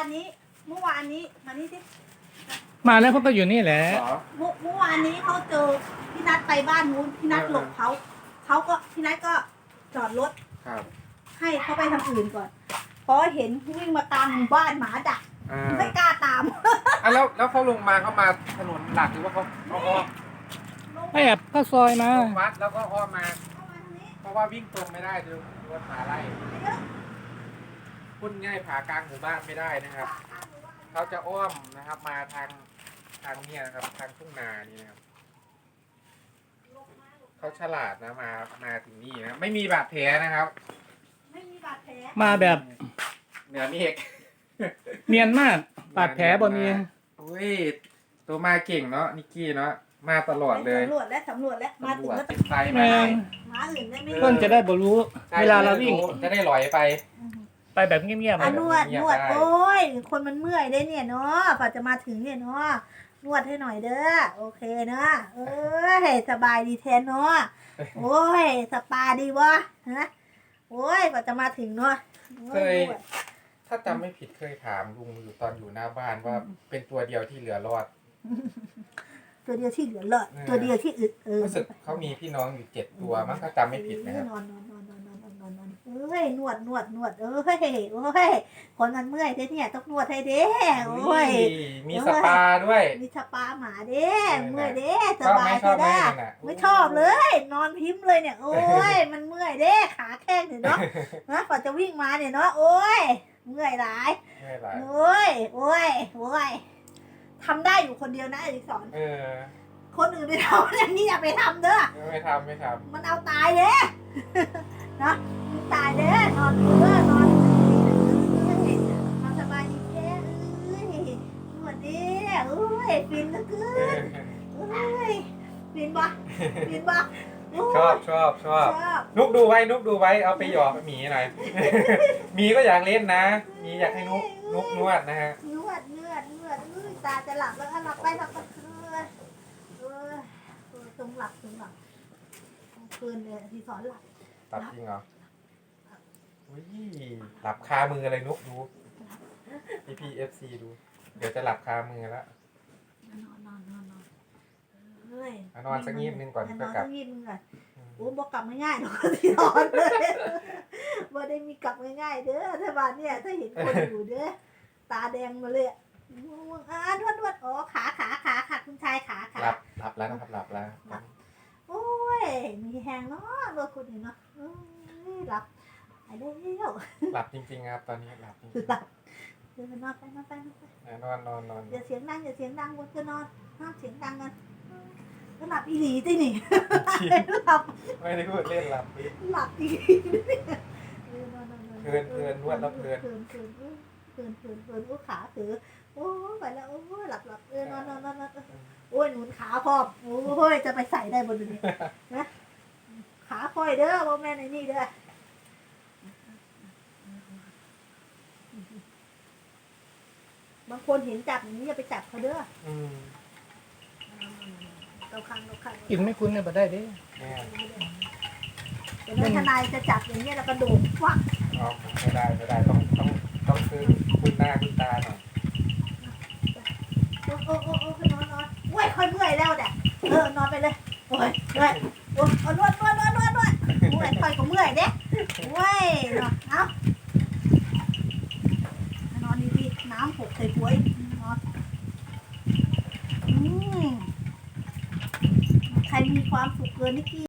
นี้มานี่สิมาแล้วเขาก็อยู่นี่แหละเหรอเมื่อวานนี้เขาเจอพี่นัทไปบ้านนู้นพี่นัทหลบเขาก็พี่นัทก็จอดรถครับให้เขาไปทางอื่นก่อนพอเห็นวิ่งมาตามหมู่บ้านหมาดักอ่าไม่กล้าตามอ่ะแล้วเขาลงมาเขามาถนนหลักหรือว่าเขาอ้อมไม่แอบเข้าซอยมาลงวัดแล้วก็อ้อมมาเข้ามาทางนี้เพราะว่าวิ่งตรงไม่ได้เดี๋ยวรถมาไล่พุ่นง่ายผ่ากลางหมู่บ้านไม่ได้นะครับเขาจะอ้อมนะครับมาทางเนี่ยนะครับทางทุ่งนานี่นะครับเขาฉลาดนะมาถึงนี่นะไม่มีบาดแผลนะครับไม่มีบาดแผลมาแบบเหนือเมฆเนียนมากบาดแผลบ่มีอุ้ยตัวมาเก่งเนาะนิกกี้เนาะมาตลอดเลยสำรวจแล้วมาถึงแล้วติดไฟแมมางหมาอื่นได้ไหมเพื่อนจะได้บ่รู้ เวลาเราวิ่งจะได้ลอยไปไปแบบเงียบๆอ่ะอะนวดเงียบนวดได้โอ้ยคนมันเมื่อยได้เนี่ยเนาะกว่าจะมาถึงเนี่ยเนาะนวดให้หน่อยเด้อโอเคเนาะเอ้ยสบายดีแทนเนาะโอ้ยสปาดีวะฮะโอ้ยกว่าจะมาถึงเนาะโอ้เคยนวดถ้าจำไม่ผิดเคยถามลุงอยู่ตอนอยู่หน้าบ้านว่าเป็นตัวเดียวที่เหลือรอดตัวเดียวที่เหลือเลยตัวเดียวที่อึดรู้สึกเขามีพี่น้องอยู่7 ตัวมั้งถ้าจำไม่ผิดนะครับนอนเอ้ยนวดเอ้ยโอ้ยคนมันเมื่อยเด้เนี่ยต้องนวดให้เด้โอ้ยมีสปาด้วยมีสปาหมาเด้เมื่อยเด้สชอบไหบาม ยชอบไหมเด้นั่นน่ะไม่ชอบเลย นอนพิมพ์เลยเนี่ย โอ้ย มันเมื่อยเด้ขาแข้งเนี่ยเนาะนะกว่าจะวิ่งมาเนี่ยเนาะโอ้ยเมื่อยหลายไม่เป็นไรโอ้ยทำได้อยู่คนเดียวนะอดิศรเออคนอื่นไปทำอย่างนี้อย่าไปทำเด้อไม่ทำมันเอาตายเด้นะมันตายเด้นอนนอนสบายดีเด้เอ้ยนวดเด้เอ้ยฟินเหลือเกินเอ้ยฟินปะชอบนุกดูไว้เอาไปหยอกหมีหน่อย หมีก็อยากเล่นนะหมีอยากให้นุกนวดนะฮะนวดตาจะหลับแล้วหลับไปตรงหลับคืนเลยที่สอนหลับตัดจริงเหรออุ้ยหลับคามือเลยนุกดู PPFC ดู เดี๋ยวจะหลับคามือแล้วนอนเฮ้ยนอนสักงีบนึงก่อนนก็อนกลัสับกงีบนึงก่อนโอ้บอกกลับง่ายๆหรอกที่นอนเลยบ่ได้มีกลับง่ายๆเด้อถ้าบ้านเนี่ยถ้าเห็นคนอยู่เด้อตาแดงมาเลยนวดอ๋อขาคุณชายขาหลับแล้วนะครับหลับแล้วโอ้ยมีแหงเนาะรถคุณเนาะหลับไปได้แล้วหลับจริงๆครับตอนนี้หลับจริงหลับเดี๋ยวนอนไปนอนอย่าเสียงดังบนก็นอนห้ามเสียงดังกันก็หลับอีหลีตินี่หลับไม่ได้พูดเล่นหลับอีหลีเพลินนวดแล้วเพลินโอ้ขาถือโอ้ไปแล้วโอ้หลับนอนโอ้ยหนุนขาพร้อมโอ้ยจะไปใส่ได้บนนี้นะขาค่อยเด้อพ่อแม่ในนี่เด้อ บางคนเห็นจับอย่างนี้อย่าไปจับเขาเด้อเราคังกินไม่คุ้นเนี่ยบ่ได้เด้แม่เดี๋ยวทนายจะจับอย่างนี้แล้วก็โดดฟักไม่ได้ต้องซื้อคุณหน้าคุณตาหน่อยโอ้นอนโอ้ยค่อยเมื่อยแล้วแหละนอนไปเลยโอ้ยนวดโอ้ยค่อยก็เมื่อยเด้โอ้ยเอานอนดีๆน้ำหกใส่หัวนอนใครมีความสุขเกินนิกกี้